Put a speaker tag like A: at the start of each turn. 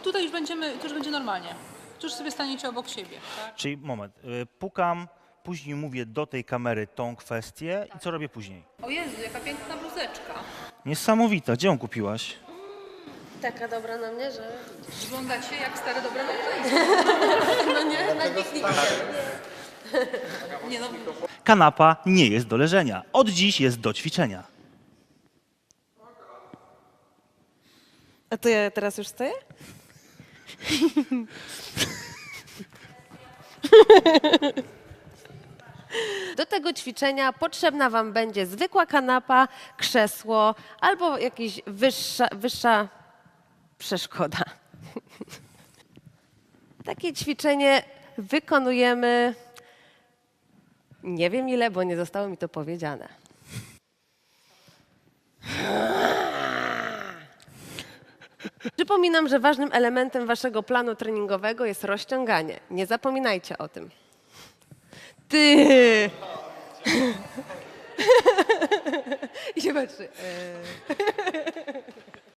A: tutaj już to już będzie normalnie. Tu już sobie staniecie obok siebie. Tak?
B: Czyli moment, pukam, później mówię do tej kamery tą kwestię i co robię później?
A: O Jezu, jaka piękna bluzeczka.
B: Niesamowita, gdzie ją kupiłaś?
C: Taka dobra na mnie, że...
A: Wyglądacie jak stare dobre małżeństwo.
C: No nie, na piknik idziemy.
A: Nie no,
B: Kanapa nie jest do leżenia, od dziś jest do ćwiczenia.
C: A to ja teraz już stoję? Do tego ćwiczenia potrzebna Wam będzie zwykła kanapa, krzesło albo jakaś wyższa przeszkoda. Takie ćwiczenie wykonujemy nie wiem ile, bo nie zostało mi to powiedziane. Przypominam, że ważnym elementem Waszego planu treningowego jest rozciąganie. Nie zapominajcie o tym. Ty! I się patrzy.